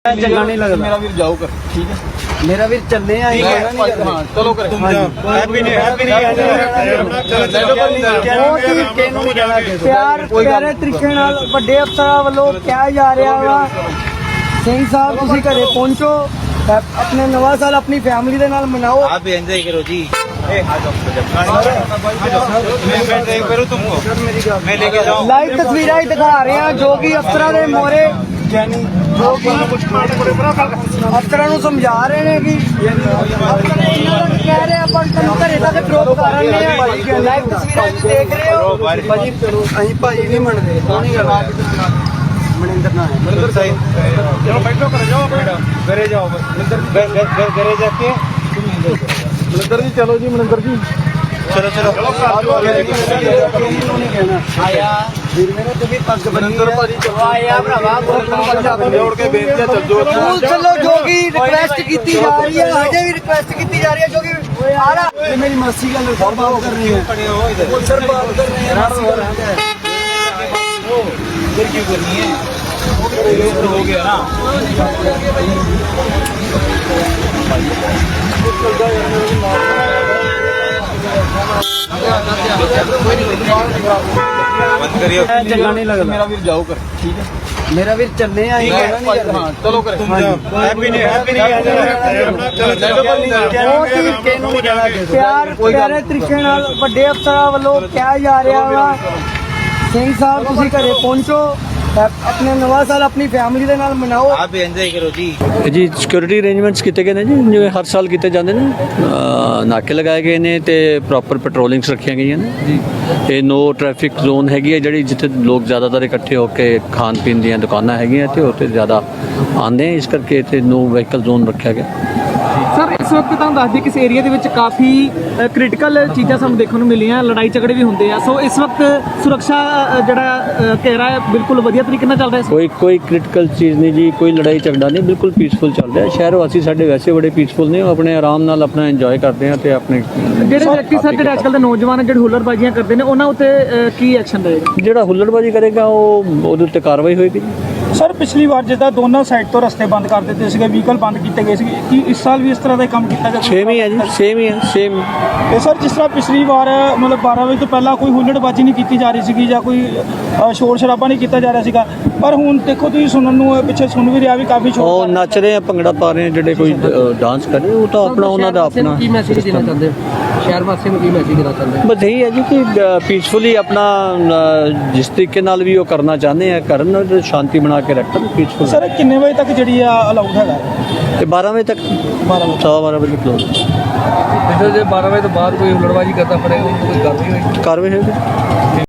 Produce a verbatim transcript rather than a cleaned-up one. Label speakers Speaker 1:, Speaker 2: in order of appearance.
Speaker 1: चंगा नहीं लगता
Speaker 2: मेरा वीर जाओ कर ठीक है
Speaker 1: मेरा वीर चलने आई
Speaker 2: हाँ चलो कर
Speaker 1: प्यार प्यारे तरीके नाल ਵੱਡੇ ਅਫਸਰਾਂ ਵੱਲੋਂ ਕਿਹਾ ਜਾ ਰਿਹਾ ਵਾ ਸਿੰਘ ਸਾਹਿਬ ਤੁਸੀਂ ਘਰੇ ਪਹੁੰਚੋ अपने नवा साल अपनी फैमिली के नाल मनाओ।
Speaker 2: आप भी एंजॉय करो जी। ए आ जाओ मैं मैं ड्राइव करूं तुमको मैं लेके जाऊं।
Speaker 1: लाइव तस्वीरें ही दिखा रहे हैं जो कि अफसरां दे मोहरे यानी जो कि अफसरां नूं समझा रहे हैं कि अफसर इन्हां दा कह रहे अपन तुम घरे तक ड्रॉप कर रहे हैं। लाइव तस्वीरें देख रहे हो भाजी अहीं भाजी नहीं मनदे सोहनी गल मनिंदर ना है मनिंदर साहब चलो बैठो कर जाओ घरे जाओ मनिंदर घरे जाके मनिंदर जी चलो जी मनिंदर जी चलो चलो आया फिर मेरे तो भी पग मनिंदर भाजी चलो आया भरावा जोड़ के बेनती चल जो चलो जो की रिक्वेस्ट की जा रही है अजे भी रिक्वेस्ट की जा रही है जो कि आ रहा मेरी मासी का सर बात कर रही है सर बात कर रही है
Speaker 2: इधर क्यों करनी है हो गया ना बंद करिए
Speaker 1: चंगा नहीं लगता
Speaker 2: मेरा वीर जाओ कर ठीक है
Speaker 1: मेरा वीर चलने आई
Speaker 2: हाँ चलो कर हैप्पी नहीं हैप्पी नहीं
Speaker 1: प्यार प्यारे तरीके नाल ਵੱਡੇ ਅਫਸਰਾਂ ਵੱਲੋਂ ਕਿਹਾ ਜਾ ਰਿਹਾ ਵਾ ਸਿੰਘ ਸਾਹਿਬ ਤੁਸੀਂ ਘਰੇ ਪਹੁੰਚੋ अपने नवा साल अपनी फैमिली के नाल मनाओ।
Speaker 2: आप भी एंजॉय करो जी।
Speaker 3: जी सिक्योरिटी अरेंजमेंट्स किए गए हैं जी जिवें हर साल किए जाते हैं नाके लगाए गए हैं तो प्रॉपर पेट्रोलिंग्स रखिया गई ने जी। ये नो ट्रैफिक जोन हैगी है जी जिथे लोग ज़्यादातर इकट्ठे होकर खान पीन दी दुकाना हैगियां तो उत्थे ज़्यादा आते हैं इस करके इत्थे नो व्हीकल जोन रखा गया।
Speaker 4: सर इस वक्त ਤੁਹਾਨੂੰ ਦੱਸ ਦਈਏ ਕਿ ਇਸ ਏਰੀਆ ਦੇ ਵਿੱਚ ਕਾਫੀ ਕ੍ਰਿਟੀਕਲ ਚੀਜ਼ਾਂ ਸਾਨੂੰ ਦੇਖਣ ਨੂੰ ਮਿਲੀਆਂ ਲੜਾਈ ਝਗੜੇ ਵੀ ਹੁੰਦੇ ਆ ਸੋ ਇਸ ਵਕਤ ਸੁਰੱਖਾ ਜਿਹੜਾ ਘੇਰਾ ਹੈ ਬਿਲਕੁਲ ਵਧੀਆ ਤਰੀਕੇ ਨਾਲ ਚੱਲ ਰਿਹਾ
Speaker 3: ਕੋਈ ਕੋਈ ਕ੍ਰਿਟੀਕਲ ਚੀਜ਼ ਨਹੀਂ ਜੀ ਕੋਈ ਲੜਾਈ ਝਗੜਾ ਨਹੀਂ ਬਿਲਕੁਲ ਪੀਸਫੁਲ ਚੱਲ ਰਿਹਾ ਸ਼ਹਿਰ ਵਾਸੀ ਸਾਡੇ ਵੈਸੇ ਬੜੇ ਪੀਸਫੁਲ ਨੇ ਉਹ ਆਪਣੇ ਆਰਾਮ ਨਾਲ ਆਪਣਾ ਇੰਜੋਏ ਕਰਦੇ ਆ ਤੇ ਆਪਣੇ
Speaker 4: ਜਿਹੜੇ ਵਿਅਕਤੀ ਸਰ ਜਿਹੜੇ ਅੱਜਕੱਲ ਦੇ ਨੌਜਵਾਨ ਜਿਹੜੇ ਹੁੱਲੜਬਾਜ਼ੀਆਂ ਕਰਦੇ ਨੇ ਉਹਨਾਂ ਉੱਤੇ ਕੀ ਐਕਸ਼ਨ ਰਹੇਗਾ
Speaker 3: ਜਿਹੜਾ ਹੁੱਲੜਬਾਜ਼ੀ ਕਰੇਗਾ ਉਹ ਉਹਦੇ ਉੱਤੇ ਕਾਰਵਾਈ ਹੋਏਗੀ।
Speaker 4: ਸਰ ਪਿਛਲੀ ਵਾਰ ਜਿੱਦਾਂ ਦੋਨਾਂ ਸਾਈਡ ਤੋਂ ਰਸਤੇ ਬੰਦ ਕਰ ਦਿੱਤੇ ਸੀਗੇ ਵਹੀਕਲ ਬੰਦ ਕੀਤੇ ਗਏ ਸੀਗੇ ਕੀ ਇਸ ਸਾਲ ਵੀ ਇਸ ਤਰ੍ਹਾਂ ਦਾ ਕੰਮ ਕੀਤਾ ਜਾਵੇ?
Speaker 3: ਸੇਮ ਹੀ ਹੈ ਜੀ ਸੇਮ ਹੀ ਹੈ ਸੇਮ।
Speaker 4: ਤੇ ਸਰ ਜਿਸ ਤਰ੍ਹਾਂ ਪਿਛਲੀ ਵਾਰ ਮਤਲਬ ਬਾਰਾਂ ਵਜੇ ਤੋਂ ਪਹਿਲਾਂ ਕੋਈ ਹੁੱਲੜਬਾਜ਼ੀ ਨਹੀਂ ਕੀਤੀ ਜਾ ਰਹੀ ਸੀਗੀ ਜਾਂ ਕੋਈ ਸ਼ੋਰ ਸ਼ਰਾਬਾ ਨਹੀਂ ਕੀਤਾ ਜਾ ਰਿਹਾ ਸੀਗਾ ਪਰ ਹੁਣ ਦੇਖੋ ਤੁਸੀਂ ਸੁਣਨ ਨੂੰ ਪਿੱਛੇ ਸੁਣ ਵੀ ਰਿਹਾ ਵੀ ਕਾਫੀ ਸ਼ੋਰ
Speaker 3: ਉਹ ਨੱਚ ਰਹੇ ਆ ਭੰਗੜਾ ਪਾ ਰਹੇ ਆ ਜਿਹੜੇ ਕੋਈ ਡਾਂਸ ਕਰ ਰਹੇ ਉਹ ਤਾਂ ਆਪਣਾ ਉਹਨਾਂ ਦਾ ਆਪਣਾ
Speaker 1: ਕੀ ਮੈਸੇਜ ਦੇਣਾ ਚਾਹੁੰਦੇ ਸ਼ਹਿਰ ਵਾਸੀਆਂ ਨੂੰ ਕੀ ਮੈਸੇਜ ਦੇਣਾ ਚਾਹੁੰਦੇ
Speaker 3: ਬਸ ਇਹੀ ਹੈ ਜੀ ਕਿ ਪੀਸਫੁਲੀ ਆਪਣਾ ਜਿਸ ਤਰੀਕੇ ਨਾਲ ਵੀ ਉਹ ਕਰਨਾ ਚਾਹੁੰਦੇ ਆ ਕਰਨ ਸ਼ਾਂਤੀ ਬਣਾ ਕੇ ਰੱਖਣ ਪੀਸਫੁਲ।
Speaker 4: ਸਰ ਕਿੰਨੇ ਵਜੇ ਤੱਕ ਜਿਹੜੀ ਆ ਅਲਾਉਡ ਹੈਗਾ
Speaker 3: ਤੇ ਬਾਰਾਂ ਵਜੇ ਤੱਕ ਬਾਰਾਂ ਸਵਾ ਬਾਰਾਂ ਵਜੇ ਕਲੋਜ਼।
Speaker 1: ਜੇ ਬਾਰਾਂ ਵਜੇ ਤੋਂ ਬਾਅਦ ਕੋਈ ਹੁੱਲੜਬਾਜ਼ੀ ਕਰਦਾ ਫੜੇਗਾ ਕੋਈ ਕਾਰਵਾਈ ਹੋਏਗੀ
Speaker 3: ਕਾਰਵਾਈ ਹੋਏਗੀ।